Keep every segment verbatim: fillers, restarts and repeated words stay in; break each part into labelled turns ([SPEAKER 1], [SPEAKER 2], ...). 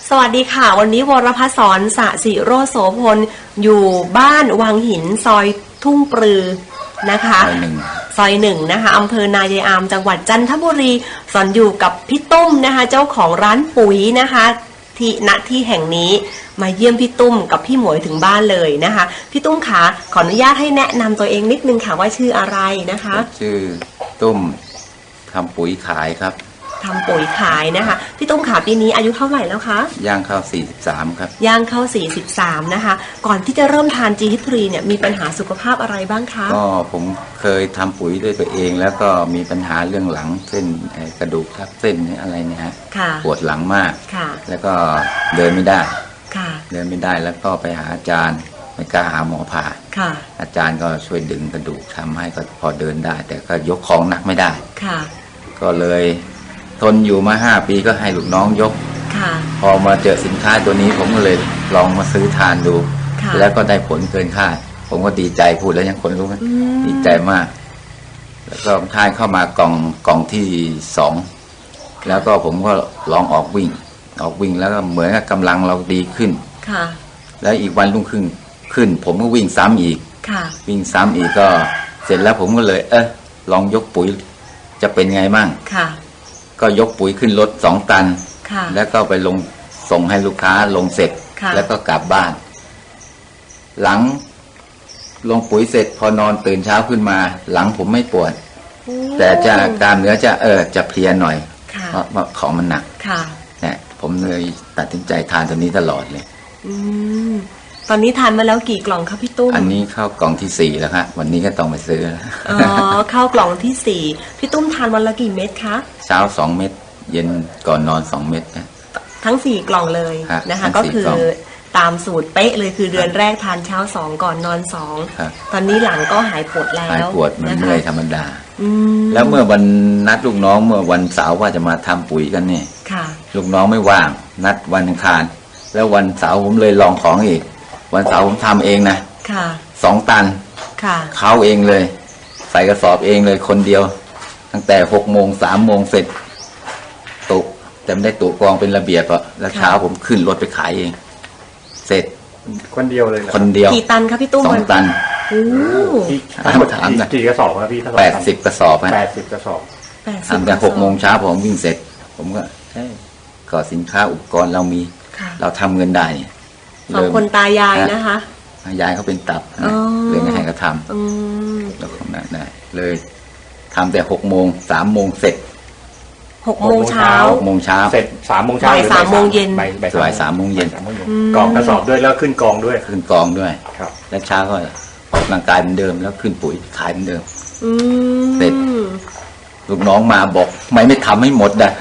[SPEAKER 1] สวัสดีค่ะวันนี้วรพัฒน์สอนสสิโรจน์โสพลอยู่บ้านวังหินซอยทุ่งปรือนะคะ
[SPEAKER 2] ซอยหนึ่ง
[SPEAKER 1] ซอยหนึ่งนะคะอำเภอนายายอามจังหวัดจันทบุรีสอนอยู่กับพี่ตุ้มนะคะเจ้าของร้านปุ๋ยนะคะที่ณที่แห่งนี้มาเยี่ยมพี่ตุ้มกับพี่หมวยถึงบ้านเลยนะคะพี่ตุ้มขาขออนุญาตให้แนะนำตัวเองนิดนึงค่ะว่าชื่ออะไรนะคะ
[SPEAKER 2] ชื่อตุ้มทำปุ๋ยขายครับ
[SPEAKER 1] ทำปุ๋ยขายนะคะพี่ตุ้มขาปีนี้อายุเท่าไหร่แล้วคะ
[SPEAKER 2] ย่างเข้าสี่สิบสามครับ
[SPEAKER 1] ย่างเข้าสี่สิบสามนะคะก่อนที่จะเริ่มทาน จี เอช ทรี เนี่ยมีปัญหาสุขภาพอะไรบ้างคะ
[SPEAKER 2] ก็ผมเคยทำปุ๋ยด้วยตัวเองแล้วก็มีปัญหาเรื่องหลังเส้นกระดูกทับเส้นอะไรเนี่ยฮะปวดหลังมากแล้วก็เดินไม่ได้เดินไม่ได้แล้วก็ไปหาอาจารย์ไม่กล้าหาหมอผ่าอาจารย์ก็ช่วยดึงกระดูกทำให้ก็พอเดินได้แต่ก็ยกของหนักไม่ได้ก็เลยทนอยู่มาห้าปีก็ให้ลูกน้องยกพอมาเจอสินค้าตัวนี้ผมก็เลยลองมาซื้อทานดูแล้วก็ได้ผลเกินคาดผมก็ดีใจพูดแล้วยังคนรู้กันดีใจมากแล้วก็ทานเข้ามากล่องกล่องที่สองแล้วก็ผมก็ลองออกวิ่งออกวิ่งแล้วก็เหมือนกับกำลังเราดีขึ้นแล้วอีกวันรุ่งขึ้นขึ้นผมก็วิ่งซ้ำอีกวิ่งซ้ำอีกก็เสร็จแล้วผมก็เลยเออลองยกปุ๋ยจะเป็นไงมั่งก็ยกปุ๋ยขึ้นรถสองตันแล้วก็ไปลงส่งให้ลูกค้าลงเสร็จแล้วก็กลับบ้านหลังลงปุ๋ยเสร็จพอนอนตื่นเช้าขึ้นมาหลังผมไม่ปวดแต่จะกล้ามเนื้อจะเออจะเพลียหน่อยเพราะว่าของมันหนักเนี่ยผมเลยตัดสินใจทานตัวนี้ตลอดเลย
[SPEAKER 1] ตอนนี้ทานมาแล้วกี่กล่องครับพี่ตุ้ม
[SPEAKER 2] อันนี้เข้ากล่องที่สี่แล้วครับวันนี้ก็ต้องไปซื้อ
[SPEAKER 1] อ๋อเข้ากล่องที่สี่พี่ตุ้มทานวันละกี่เม็ดคะ
[SPEAKER 2] เช้าสองเม็ดเย็นก่อนนอนสองเม็ดนะ
[SPEAKER 1] ทั้งสี่กล่องเลยนะคะก็คือตามสูตรเป๊ะเลยคือเดือนแรกทานเช้าสองก่อนนอนสองตอนนี้หลังก็หายปวดแล้ว
[SPEAKER 2] หายปวดมันเมื่อยธรรมดาแล้วเมื่อวันนัดลูกน้องเมื่อวันเสาร์ว่าจะมาทำปุ๋ยกันเนี่ยลูกน้องไม่ว่างนัดวันอังคารแล้ววันเสาร์ผมเลยลองของอีกวันเสาร์ผมทำเองนะสองตันเขาเองเลยใส่กระสอบเองเลยคนเดียวตั้งแต่หกโมงสามโมงเสร็จตุกแต่ไม่ได้ตุกกองเป็นระเบียบอ่ะแล้วเช้าผมขึ้นรถไปขายเองเสร็จ
[SPEAKER 3] คนเดียวเลย
[SPEAKER 2] คนเดียว
[SPEAKER 1] กี่ตันครับพี่ตุ้ม
[SPEAKER 2] สองตัน
[SPEAKER 1] โอ้
[SPEAKER 3] ถามนะกี่กระสอบครับพี่
[SPEAKER 2] แปดสิบกระสอบ
[SPEAKER 3] แปดสิบกระสอบ
[SPEAKER 2] ทำแต่หกโมงเช้าผมวิ่งเสร็จผมก็ก็สินค้าอุปกรณ์เรามีเราทำเงินได้
[SPEAKER 1] สองคนตายายนะคะ
[SPEAKER 2] ยายเขาเป็นตับเลยไม่ให้เขาทำแล้วของนั้นได้เลยทำแต่หกโมงสามโมงเสร็จ
[SPEAKER 1] หกโมงเช้า
[SPEAKER 2] หกโมงเช้า
[SPEAKER 3] เสร็จสามโมงเช้า
[SPEAKER 1] บ่ายสามโมงเย็น
[SPEAKER 2] บ่ายสามโมงเย็น
[SPEAKER 3] กองกระสอบด้วยแล้วขึ้นกองด้วย
[SPEAKER 2] ขึ้นกองด้วยแล้วเช้าก็ออกกำลังกายเหมือนเดิมแล้วขึ้นปุ๋ยขายเหมือนเดิมเสร็จลูกน้องมาบอกไม่ไม่ทำให้หมดนะ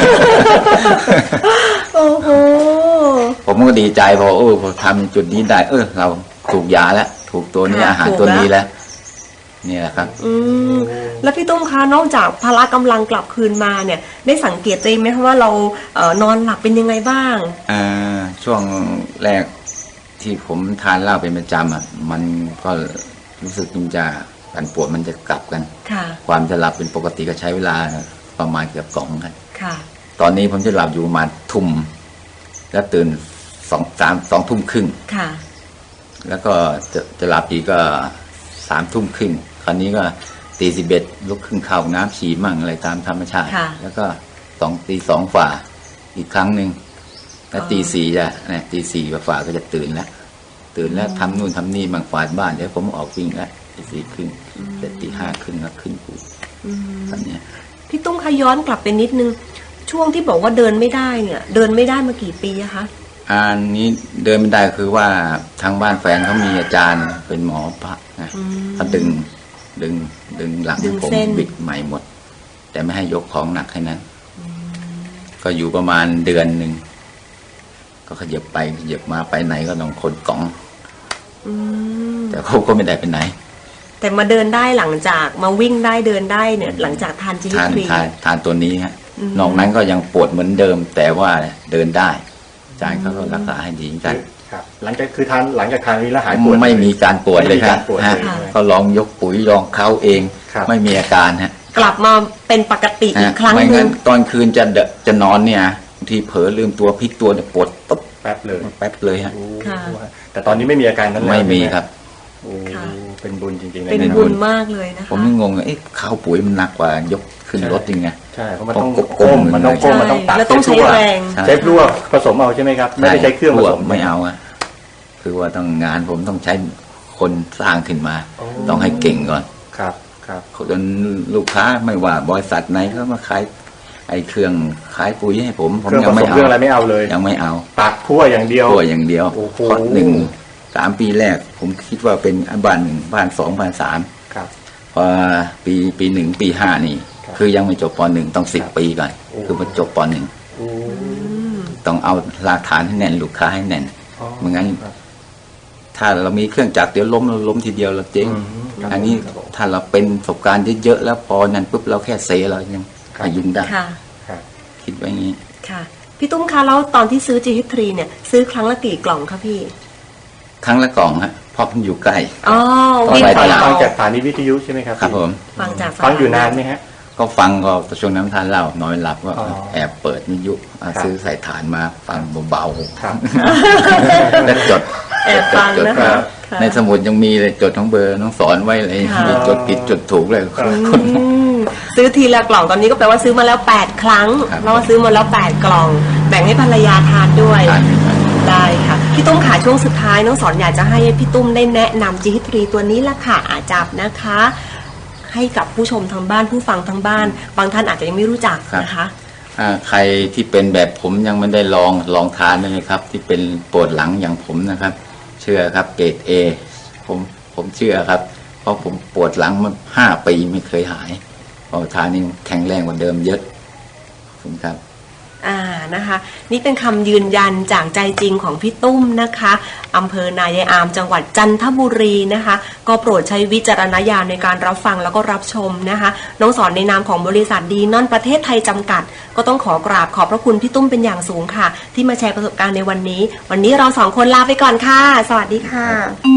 [SPEAKER 1] โอ้โห
[SPEAKER 2] ผมก็ดีใจพอเออพอทำจุดนี้ได้เออเราถูกยาแล้วถูกตัวนี้อาหารตัวนี้แล้วนี่แหละครับ
[SPEAKER 1] อืมแล้วพี่ตุ้มคะนอกจากพละกำลังกลับคืนมาเนี่ยได้สังเกตตัวเองไหมคะว่าเราเอ่อนอนหลับเป็นยังไงบ้าง
[SPEAKER 2] อ่าช่วงแรกที่ผมทานเหล้าเป็นประจำอ่ะมันก็รู้สึกมันจะการปวดมันจะกลับกันความจะหลับเป็นปกติก็ใช้เวลาประมาณเกือบสองกันตอนนี้ผมจะหลับอยู่ประมาณทุ่มแล้วตื่นสองสามสองทุ่มครึ่งแล้วก็จะจะหลับอีกก็สามทุ่มครึ่งคราวนี้ก็ตีสิบเอ็ดลุกขึ้นเข้าน้ำฉี่มั่งอะไรตามธรรมชาติแล้วก็สองตีสองฝ่าอีกครั้งหนึ่งแล้วตีสี่จะเนี่ยตีสี่ฝ่าก็จะตื่นแล้วตื่นแล้วทำนู่นทำนี่มั่งฝาดบ้านเดี๋ยวผมออกวิ่งแล้วตีสี่ครึ่งเสร็จตีห้าครึ่งแล้วขึ้นปุ๋ยตอนนี้
[SPEAKER 1] พี่ตุ้มขย้อนกลับไปนิดนึงช่วงที่บอกว่าเดินไม่ได้เนี่ยเดินไม่ได้มากี่ปีอะคะ
[SPEAKER 2] อันนี้เดินไม่ได้คือว่าทางบ้านแฟนเขามีอาจารย์เป็นหมอพระนะเขาดึงดึงดึงหลังผมบิดใหม่หมดแต่ไม่ให้ยกของหนักให้นั้นก็อยู่ประมาณเดือนหนึ่งก็ขยับไปขยับมาไปไหนก็ต้องคนกล่องแต่เขาก็ไม่ได้ไปไหน
[SPEAKER 1] แต่มาเดินได้หลังจากมาวิ่งได้เดินได้เนี่ยหลังจากทานจี
[SPEAKER 2] ทานทานทานตัวนี้ฮะนอกนั้นก็ยังปวดเหมือนเดิมแต่ว่าเดินได้อาจารย์เขาก็รักษาให้ดีกัน
[SPEAKER 3] ครับหลังจากคือทานหลังจากทานนี้แล้วหายปวด
[SPEAKER 2] ไม่มีการปวดเลยครับก็ลองยกปุ๋ยลองเข้าเองไม่มีอาการฮะ
[SPEAKER 1] กลับมาเป็นปกติอีกครั้งนึง
[SPEAKER 2] ตอนคืนจะจะนอนเนี่ยบางทีเผลอลืมตัวพลิกตัวเนี่ยปวดปุ๊บ
[SPEAKER 3] แป๊บเลย
[SPEAKER 2] แป๊บเลยฮะ
[SPEAKER 3] โอ้
[SPEAKER 1] ค่ะ
[SPEAKER 3] แต่ตอนนี้ไม่มีอาการนั้นแล้ว
[SPEAKER 2] ไม่มี
[SPEAKER 3] ใช่ห
[SPEAKER 2] ครับ
[SPEAKER 3] โอ้
[SPEAKER 1] ค่ะ
[SPEAKER 3] เป็นบุญจริงๆเลย
[SPEAKER 1] เป็น
[SPEAKER 3] นะ
[SPEAKER 1] บุญมากเลยนะคะ
[SPEAKER 2] ผมยังงงเลยเอ๊ะข้าวปุ๋ยมันหนักกว่ายกขึ้นรถยังไง
[SPEAKER 3] ใช่เพราะมันต้อง
[SPEAKER 2] ต้องก้
[SPEAKER 3] ก้
[SPEAKER 2] ม
[SPEAKER 3] มมันต้องก้มมันต้องตัก
[SPEAKER 1] แล้วต้องใช้แรง
[SPEAKER 3] ใช้พลวกผสมเอาใช่ไหมครับ ไม่ได้ใช้เครื่องผสม
[SPEAKER 2] ไม่เอาอะคือว่าต้องงานผมต้องใช้คนสร้างขึ้นมา
[SPEAKER 3] โอ้
[SPEAKER 2] ต้องให้เก่งก่อน
[SPEAKER 3] ครับครับ
[SPEAKER 2] จนลูกค้าไม่ว่าบริษัทไหนเขามาขายไอ้เครื่องขายปุ๋ยให้ผมผม
[SPEAKER 3] เครื่อง
[SPEAKER 2] ยั
[SPEAKER 3] ผ
[SPEAKER 2] ง
[SPEAKER 3] ส
[SPEAKER 2] ไม่
[SPEAKER 3] ม
[SPEAKER 2] เอา
[SPEAKER 3] เครื่องอะไรไม่เอาเลย
[SPEAKER 2] ยังไม่เอา
[SPEAKER 3] ตักคั่วอย่างเดียว
[SPEAKER 2] ตัวอย่างเดียว
[SPEAKER 3] โอ้โห
[SPEAKER 2] เพราะหนึ่งสามปีแรก ผมคิดว่าเป็นบ้านหนึ่งบ้านสองบ้านสาม
[SPEAKER 3] ครับ
[SPEAKER 2] พอปีปีหนึ่งปีห้านี่
[SPEAKER 3] ครับ
[SPEAKER 2] คือยังไม่จบปหนึ่งต้องสิบ
[SPEAKER 3] ครับ
[SPEAKER 2] ปีก่อน
[SPEAKER 3] โอ้
[SPEAKER 2] คือมาจบปหนึ่ง
[SPEAKER 3] โอ้
[SPEAKER 2] ต้องเอารากฐานให้แน่นลูกค้าให้แน่น
[SPEAKER 3] อ๋อ
[SPEAKER 2] ไม่งั้น
[SPEAKER 3] ครับ
[SPEAKER 2] ถ้าเรามีเครื่องจักรเดี๋ยวล้มเราล้มทีเดียวเราเจ๊ง
[SPEAKER 3] อืมครับ
[SPEAKER 2] อันนี้
[SPEAKER 3] ครับผม
[SPEAKER 2] ถ้าเราเป็นประสบการณ์เยอะๆแล้วพอนั่นปุ๊บเราแค่เซเรายัง
[SPEAKER 3] ครับ
[SPEAKER 2] พยุงได้
[SPEAKER 1] ค่ะ
[SPEAKER 3] ครับ
[SPEAKER 2] คิดไว้อย่างนี้
[SPEAKER 1] ค่ะพี่ตุ้มคะแล้วตอนที่ซื้อ จี เอช ทรี เนี่ยซื้อครั้งละกี่กล่องคะพี่
[SPEAKER 2] ครั้งละกล่องฮะเพราะมันอยู่ใกล้
[SPEAKER 1] อ๋อ
[SPEAKER 2] ต่อ
[SPEAKER 1] วิ่ง
[SPEAKER 2] ไป
[SPEAKER 3] ฟัง
[SPEAKER 1] เดียว
[SPEAKER 3] ฟังจากสถานีวิทยุใช่ไหมครับ
[SPEAKER 2] ครับผม
[SPEAKER 1] ฟังจากสถ
[SPEAKER 3] ฟังอยู่นานไหมฮะ
[SPEAKER 2] ก็ฟังก็ช่วงน้ำทานเหล้านอนไม่หลับก็
[SPEAKER 3] อ๋อ
[SPEAKER 2] แอบเปิดวิทยุอ่ะ
[SPEAKER 3] ครับ
[SPEAKER 2] ซื้อใส่ฐานมาฟังเบา
[SPEAKER 3] ครับ
[SPEAKER 2] ๆแล้วจด
[SPEAKER 1] แอบฟัง
[SPEAKER 2] จด
[SPEAKER 1] นะ
[SPEAKER 2] จ
[SPEAKER 1] คะ
[SPEAKER 2] ด
[SPEAKER 1] ค่ะ
[SPEAKER 2] ในสมุดยังมีเลยจดทั้งเบอร์น้องสอนไว้เลย
[SPEAKER 1] ค่ะ
[SPEAKER 2] มีจดผิดจดถูกเลย
[SPEAKER 3] ครับ
[SPEAKER 1] อืมซื้อทีละกล่องตอนนี้ก็แปลว่าซื้อมาแล้วแปดครั้ง
[SPEAKER 2] ครับ
[SPEAKER 1] แล้วก็ซื้อมาแล้วแปดกล่อง แบ่งให้ภรรยาทานด้วย
[SPEAKER 2] ทาน
[SPEAKER 1] ได้ค่ะพี่ตุ้มขาช่วงสุดท้ายน้องสอนอยากจะให้พี่ตุ้มได้แนะนำ จี เอช ทรี ตัวนี้ละค่ะอาจับนะคะ ให้กับผู้ชมทางบ้านผู้ฟังทางบ้าน บางท่านอาจจะยังไม่รู้จักนะคะ
[SPEAKER 2] อ่าใครที่เป็นแบบผมยังไม่ได้ลองลองทานได้เลยครับ ที่เป็นปวดหลังอย่างผมนะครับ เชื่อครับเกรดเอผมผมเชื่อครับ เพราะผมปวดหลังมาห้าปีไม่เคยหายพอทานนี่แข็งแรงกว่าเดิมเยอะขอบคุณครับ
[SPEAKER 1] อ่านะคะ นี่เป็นคำยืนยันจากใจจริงของพี่ตุ้มนะคะอำเภอนายายอามจังหวัดจันทบุรีนะคะ ก็โปรดใช้วิจารณญาณในการรับฟังแล้วก็รับชมนะคะ น้องสอนในนามของบริษัทดีนอนประเทศไทยจำกัด ก็ต้องขอกราบขอบพระคุณพี่ตุ้มเป็นอย่างสูงค่ะ ที่มาแชร์ประสบการณ์ในวันนี้ วันนี้เราสองคนลาไปก่อนค่ะ สวัสดีค่ะ